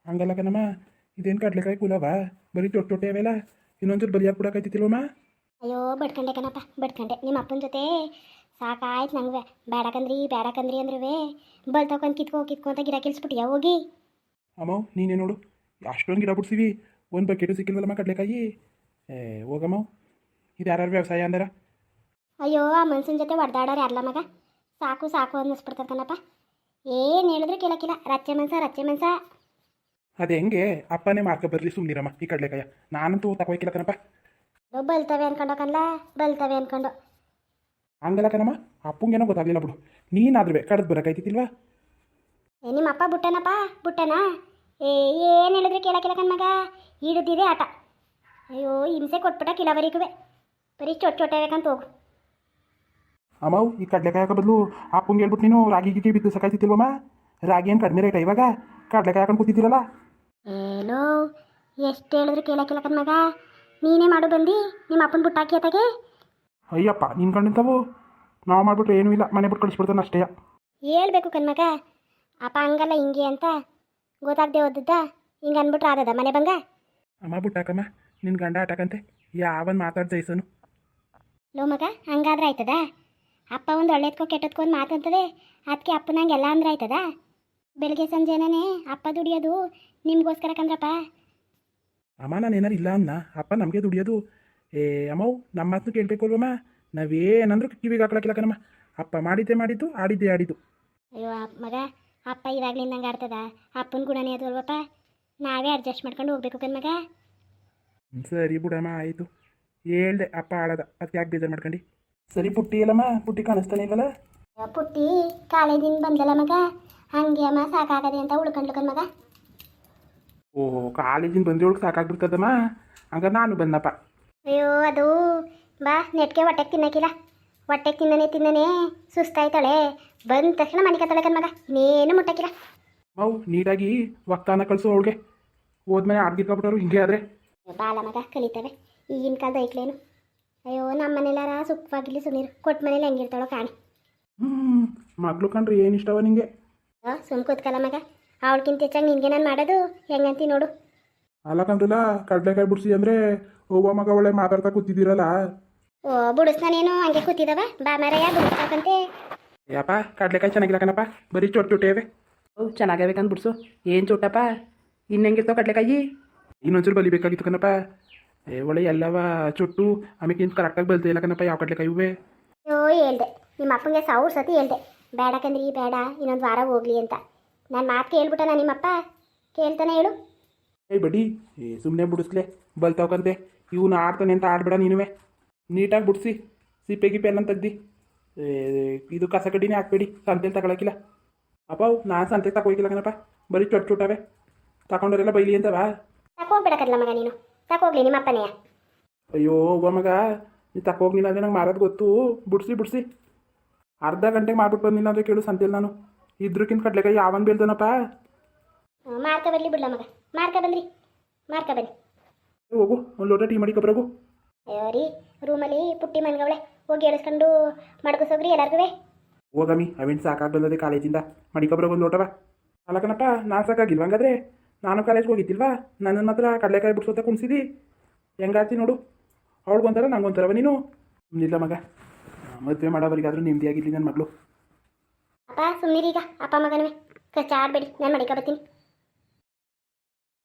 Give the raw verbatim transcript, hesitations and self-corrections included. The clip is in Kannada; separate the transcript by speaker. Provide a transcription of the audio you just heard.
Speaker 1: ಹಂಗಲ್ಲ ಕಣಮ್ಮ, ಇದೇನು ಕಡ್ಲೆಕಾಯಿ ಕುಲವ ಬರೀ ಚೊಟ್ಟು ಚೊಟ್ಟೆ ಅವೆಲ್ಲ ಇನ್ನೊಂಚೂರು ಬಲಿಯಾಗಿ ಕೊಡೋಕೈತಿಲ್ವಮ್ಮ?
Speaker 2: ಅಯ್ಯೋ ಬಡ್ಕಂಡೆ ಕಣಪ್ಪ ಬಡ್ಕಂಡೆ. ನಿಮ್ಮ ಅಪ್ಪನ ಜೊತೆ ಸಾಕಾಯ್ತು ನಂಗೆ. ಬೇಡಕಂದ್ರಿ ಬೇಡಕಂದ್ರಿ ಅಂದ್ರೂ ಬಲ್ ತಗೊಂಡು ಕಿತ್ಕೋ ಕಿತ್ಕೊ ಅಂತ ಗಿಡ ಕಿಲ್ಸ್ಬಿಟ್ಟಿಯಾ ಹೋಗಿ.
Speaker 1: ಅಮ್ಮ ನೀನೇ ನೋಡು ಅಷ್ಟೊಂದು ಗಿಡ ಬಿಡ್ಸಿವಿ, ಒಂದು ಬಕೆಟು ಸಿಕ್ಕಿಲ್ವಲ್ಲಮ್ಮ ಕಡ್ಲೆಕಾಯಿ. ಏ ಹೋಗಮ್ಮ, ಇದು ಯಾರು ವ್ಯವಸಾಯ ಅಂದಾರ?
Speaker 2: ಅಯ್ಯೋ ಆ ಮನ್ಸಿನ ಜೊತೆ ಹೊಡೆದಾಡೋರು ಯಾರಲ್ಲ ಮಗ. ಸಾಕು ಸಾಕು ಅನ್ನಿಸ್ಬಿಡ್ತದೆ ಕಣಪ್ಪ. ಏನು ಹೇಳಿದ್ರು ಕೇಳಕ್ಕಿಲ್ಲ. ರಚ್ಚೆ ಮನ್ಸ ರಚ್ಚೆ ಮನ್ಸ.
Speaker 1: ಅದು ಹೆಂಗೆ ಅಪ್ಪನೇ ಮಾರ್ಕ ಬರಲಿ ಸುಮ್ಮನಿರಮ್ಮ ಈ ಕಡ್ಲೆಕಾಯ. ನಾನಂತೂ ತಗೋಯ್ಕಿಲ್ಲ ಕಣಪ್ಪ.
Speaker 2: ಬಲ್ತವೆ ಅನ್ಕೊಂಡು ಕಣ್ಲ ಬಲ್ತವೆ ಅನ್ಕೊಂಡು.
Speaker 1: ಹಂಗಲ್ಲ ಕಣಮ್ಮ, ಅಪ್ಪಂಗೇನೋ ಗೊತ್ತಾಗಲಿಲ್ಲ ಬಿಡು. ನೀನಾದ್ರೂ ಕಡ್ದು ಬರೋಕೈತಿಲ್ವಾ?
Speaker 2: ಏ ನಿಮ್ಮ ಅಪ್ಪ ಬುಟ್ಟನಪ್ಪ ಬುಟ್ಟನ. ಏ ಏನು ಹೇಳಿದ್ರೆ ಕೇಳಕ್ಕಿಲ್ಲ ಕಣ್ಮಗ. ಹಿಡಿದಿದೆ ಆಟ. ಅಯ್ಯೋ ಹಿಂಸೆ ಕೊಟ್ಬಿಟ್ಟ ಕಿಲವರಿಗೂ. ಬರೀ ಚೊಟ್ಟು ಚೊಟ್ಟೆ ಬೇಕಂತ ಹೋಗು.
Speaker 1: ಅಮ್ಮವು ಈ ಕಡ್ಲೆಕಾಯಕ ಬದಲು ಅಪ್ಪಂಗೆ ಹೇಳ್ಬಿಟ್ಟು ನೀನು ರಾಗಿ ಗಿಗಿ ಬಿದ್ದು ಸಾಕಾಯ್ತಿಲ್ವಮ್ಮ? ರಾಗಿ ಏನು ಕಡಿಮೆ ರೇಟ ಇವಾಗ? ಕಡ್ಲೆಕಾಯಿ ಹಾಕೊಂಡು ಕೂತಿದ್ದೀರಲ್ಲ.
Speaker 2: ಏನೋ ಎಷ್ಟು ಹೇಳಿದ್ರು ಕೇಳಕ್ಕಿಲ್ಲ ಕಣ್ಮಗ. ನೀನೇ ಮಾಡು ಬಂದು ನಿಮ್ಮ ಅಪ್ಪನ ಬುಟ್ಟಾಕಿ ಅತ್ತಾಗೆ.
Speaker 1: ಅಯ್ಯಪ್ಪ ನಿನ್ನ ಕಂಡಿಂತವು ನಾವು ಮಾಡಿಬಿಟ್ರೆ ಏನೂ ಇಲ್ಲ, ಮನೆ ಬಿಟ್ಟು ಕಳಿಸ್ಬಿಡ್ತಾನೆ ಅಷ್ಟೇ.
Speaker 2: ಹೇಳ್ಬೇಕು ಕಣ್ಮಗ. ಅಪ್ಪ ಹಂಗಲ್ಲ ಹಿಂಗೆ ಅಂತ ಗೊತ್ತಾಗದೆ ಓದದ್ದ ಹಿಂಗೆ ಅಂದ್ಬಿಟ್ರೆ ಆದದ ಮನೆ ಬಂಗ.
Speaker 1: ಅಮ್ಮ ಬಿಟ್ಟಾಕಮ್ಮ, ನಿನ್ನ ಗಂಡ ಆಟಕಂತೆ ಯಾವನ್ ಮಾತಾಡ್ ಜೈಸನು.
Speaker 2: ಲೋ ಮಗ ಹಂಗಾದ್ರೆ ಆಯ್ತದ? ಅಪ್ಪ ಒಂದು ಒಳ್ಳೇದ್ಕೋ ಕೆಟ್ಟದ್ಕೋ ಒಂದು ಮಾತಂತದೆ, ಅದಕ್ಕೆ ಅಪ್ಪನಂಗೆ ಎಲ್ಲ ಅಂದ್ರೆ ಆಯ್ತದ? ಬೆಳಗ್ಗೆ ಸಂಜೆನೇ ಅಪ್ಪ ದುಡಿಯೋದು ನಿಮ್ಗೋಸ್ಕರ ಕಂದ್ರಪ್ಪ.
Speaker 1: ಅಮ್ಮ ನಾನು ಏನಾರು ಇಲ್ಲ ಅನ್ನ ಅಪ್ಪ ನಮಗೆ ದುಡಿಯೋದು. ಏ ಅಮ್ಮವು ನಮ್ಮ ಮಾತನ್ನು ಕೇಳಬೇಕು ಅಲ್ವಮ್ಮ? ನಾವೇನಂದ್ರೂ ಕಿವಿಗೆ ಹಾಕೊಳಕ್ಕಿಲ್ಲ ಕಣಮ್ಮ. ಅಪ್ಪ ಮಾಡಿದ್ದೆ ಮಾಡಿದ್ದು, ಆಡಿದ್ದೆ ಆಡಿದ್ದು.
Speaker 2: ಅಯ್ಯೋ ಮಗ, ಅಪ್ಪ ಇವಾಗ್ಲಿಂದ ಹಂಗೆ ಆಡ್ತದ? ಅಪ್ಪನ ಗುಣನೇ ಅದು ಅಲ್ವಪ್ಪ. ನಾವೇ ಅಡ್ಜಸ್ಟ್ ಮಾಡ್ಕೊಂಡು ಹೋಗ್ಬೇಕು ಕಣ್ಮಗ.
Speaker 1: ಸರಿ ಬಿಡಮ್ಮ ಆಯಿತು. ಹೇಳ್ದೆ ಅಪ್ಪ ಆಡೋದ, ಅದಕ್ಕೆ ಯಾಕೆ ಬೇಜಾರು ಮಾಡ್ಕೊಂಡು. ಸರಿ ಪುಟ್ಟಿ ಅಲ್ಲಮ್ಮ, ಪುಟ್ಟಿ ಕಾಣಿಸ್ತಾನೆ ಇಲ್ವಲ್ಲ?
Speaker 2: ಪುಟ್ಟಿ ಕಾಲೇಜಿಂದ ಬಂದಲ್ಲ ಮಗ, ಹಂಗೆ ಅಮ್ಮ ಸಾಕಾಗದೆ ಅಂತ ಉಳ್ಕೊಂಡ್ಲು ಕಣ್ಮಗ.
Speaker 1: ಓಹೋ ಕಾಲೇಜಿಂದ ಬಂದಿರೋಳಗೆ ಸಾಕಾಗ್ಬಿಡ್ತದಮ್ಮ. ಹಂಗಾರೆ ನಾನು ಬಂದಪ್ಪ.
Speaker 2: ಅಯ್ಯೋ ಅದು ಬಾ ನೆಟ್ಗೆ ಹೊಟ್ಟೆಗೆ ತಿನ್ನಕ್ಕಿಲ್ಲ. ಹೊಟ್ಟೆಗೆ ತಿನ್ನನೆ ತಿನ್ನನೆ ಸುಸ್ತಾಯ್ತಾಳೆ. ಬಂದ ತಕ್ಷಣ ಮನೆ ಕತ್ತಾಳೆ ಕಣ್ಮಗ, ಇನ್ನೇನು ಮುಟ್ಟಕ್ಕಿಲ್ಲ.
Speaker 1: ಮೌ ನೀಟಾಗಿ ವಕ್ತಾನ ಕಳಿಸು ಅವಳಿಗೆ. ಹೋದ್ಮೇಲೆ ಆಡ್ಗಿರ್ಕೊಬಿಟ್ಟವ್ರು ಹಿಂಗೆ ಆದರೆ.
Speaker 2: ಬಾಲ ಮಗ ಕಲಿತವೆ ಈಗಿನ ಕಾಲದ ಐಕ್ಲೇನು. ಅಯ್ಯೋ ನಮ್ಮ ಮನೇಲಾರ ಸುಖವಾಗಿರ್ಲಿ ಸುನೀರು. ಕೊಟ್ಟ ಮನೇಲಿ ಹೆಂಗಿರ್ತಾಳೋ ಕಾಣಿ.
Speaker 1: ಹ್ಞೂ ಮಗಳು ಕಂಡ್ರೆ ಏನು ಇಷ್ಟವ ನಿಂಗೆ?
Speaker 2: ಸುಮ್ ಕೂತ್ಕಲ್ಲ ಮಗ. ಅವಳಕ್ಕಿಂತ ಹೆಚ್ಚಾಗಿ ನಿನಗೆ ನಾನು ಮಾಡೋದು ಹೆಂಗಂತಿ ನೋಡು.
Speaker 1: ಅಲ್ಲ ಕಂಡ್ರಲ್ಲ ಕಡ್ಲೆಕಾಯಿ ಬಿಡಿಸಿ ಅಂದರೆ ಒಬ್ಬ ಮಗ ಒಳ್ಳೆ ಮಾತಾಡ್ತಾ ಕೂತಿದ್ದೀರಲ್ಲ.
Speaker 2: ಓ ಬುಡಿಸ್ತಾನೇನು ಹಂಗೆ ಕೂತಿದವ? ಬಾ ಮರಯ್ಯ ಬುಡಿಸ್ತಾಕಂತೆ.
Speaker 1: ಯಪ್ಪ ಕಡ್ಲೆಕಾಯಿ ಚೆನ್ನಾಗಿಲ್ಲ ಕಣಪ್ಪ, ಬರೀ ಚೊಟ್ಟು ಚೊಟ್ಟೆವೆ. ಅವು ಚೆನ್ನಾಗಬೇಕಂತ ಬಿಡ್ಸು. ಏನು ಚೊಟ್ಟಪ್ಪ, ಇನ್ನು ಹೆಂಗಿರ್ತಾವ ಕಡ್ಲೆಕಾಯಿ? ಇನ್ನೊಂಚೂರು ಬಲಿಬೇಕಾಗಿತ್ತು ಕಣಪ್ಪ. ಏ ಒಳ್ಳೆ ಎಲ್ಲವ ಚೊಟ್ಟು ಆಮೇಲೆ ಇನ್ನು ಕರೆಕ್ಟಾಗಿ ಬಲ್ತಾ ಇಲ್ಲ ಕಣಪ್ಪ ಯಾವ ಕಡ್ಲೆಕಾಯಿ ಇವೆ.
Speaker 2: ಅಯ್ಯೋ ಹೇಳ್ದೆ ನಿಮ್ಮ ಅಪ್ಪಂಗೆ ಸಾವಿರ ಸತಿ ಹೇಳ್ದೆ ಬೇಡಕಂದ್ರಿ ಬೇಡ ಇನ್ನೊಂದು ವಾರ ಹೋಗ್ಲಿ ಅಂತ. ನಾನು ಮಾತು ಕೇಳ್ಬಿಟ್ಟನ ನಿಮ್ಮಪ್ಪ? ಕೇಳ್ತಾನೆ ಹೇಳು.
Speaker 1: ಏಯ್ ಬಡ್ಡಿ, ಏ ಸುಮ್ಮನೆ ಬಿಡಿಸ್ಲೆ ಬಲ್ತಾವ್ಕಂತೆ. ಇವನು ಆಡ್ತಾನೆ ಅಂತ ಆಡ್ಬೇಡ ನೀನುವೆ. ನೀಟಾಗಿ ಬಿಡಿಸಿ ಸಿಪ್ಪೆ ಗಿಪ್ಪೆ ಎಲ್ಲ ತೆಗ್ದು ಇದು ಕಸ ಕಡ್ಡಿನೇ ಹಾಕ್ಬೇಡಿ, ಸಂತೆಲಿ ತಗೊಳಕಿಲ್ಲ. ಅಪ್ಪ ನಾನು ಸಂತೆಗೆ ತಗೋಕಿಲ್ಲ ಕಣಪ್ಪ, ಬರೀ ಚೊಟ್ಟು ಚೊಟ್ಟವೆ ತಗೊಂಡವರೆಲ್ಲ ಬೈಲಿ ಅಂತವಾ?
Speaker 2: ತಕೋಗ್ಬಿಡಕಲ್ಲ ಮಗ ನೀನು, ತಕೋಗ್ಲಿ ನಿಮ್ಮ ಅಪ್ಪನೆಯ.
Speaker 1: ಅಯ್ಯೋ ಒಬ್ಬ ಮಗ ನೀನು ತಕೋಗ್ಲಿಲ್ಲ ಅಂದರೆ ನಂಗೆ ಮಾರೋದು ಗೊತ್ತು. ಬಿಡಿಸಿ ಬಿಡಿಸಿ ಅರ್ಧ ಗಂಟೆಗೆ ಮಾಡ್ಬಿಟ್ಟು ಬಂದಿಲ್ಲ ಅಂದರೆ ಕೇಳು ಸಂತೆಲಿ ನಾನು. ಇದ್ರಕ್ಕಿಂತ ಕಡ್ಲೆಕಾಯಿ ಯಾವನ್ ಬೀಳ್ತಾನಪ್ಪ?
Speaker 2: ಮಾರ್ಕ ಬರಲಿ ಬಿಡ್ಲ ಮಗ, ಮಾರ್ಕ ಬಂದ್ರಿ ಮಾರ್ಕ ಬನ್ನಿ.
Speaker 1: ಹೋಗು ಒಂದು ಲೋಟ ಟೀ ಮಾಡಿ ಕೊಬ್ಬರಗು.
Speaker 2: ಅಯ್ಯೋ ರೀ ರೂಮಲ್ಲಿ ಪುಟ್ಟಿ ಮನ್ಗವಳೆ, ಹೋಗಿ ಎಳಿಸ್ಕೊಂಡು ಮಡ್ಗಿಸೋಗ್ರಿ ಎಲ್ಲರಿಗೂ.
Speaker 1: ಹೋಗಮ್ಮಿ ಅವೇನು ಸಾಕಾಗಿ ಬಂದದೆ ಕಾಲೇಜಿಂದ, ಮಡಿಕೊಬ್ರಾಗ ಒಂದು ಲೋಟವ. ಅಲ್ಲ ಕಣಪ್ಪ ನಾನು ಸಾಕಾಗಿಲ್ವ ಹಂಗಾದ್ರೆ? ನಾನು ಕಾಲೇಜ್ಗೆ ಹೋಗಿದ್ದಿಲ್ವಾ? ನನ್ನನ್ನು ಮಾತ್ರ ಕಡಲೆಕಾಯಿ ಬಿಡ್ಸೋತ ಕುಣಿಸಿದಿ. ಹೆಂಗಾಡ್ತಿ ನೋಡು, ಅವಳಿಗೊಂಥರ ನಂಗೊಂಥರವ ನೀನು. ಇಲ್ಲ ಮಗ, ಮದುವೆ ಮಾಡೋವರಿಗಾದ್ರೂ ನೆಮ್ಮದಿಯಾಗಿರಲಿ ನನ್ನ ಮಗಳು.
Speaker 2: ಅಪ್ಪ ಸುಮ್ಮನಿರೀಗ ಅಪ್ಪ ಮಗನವೇ ಕಚ್ಚಾಡಬೇಡಿ, ನಾನು ಮಡಿಕ ಬರ್ತೀನಿ.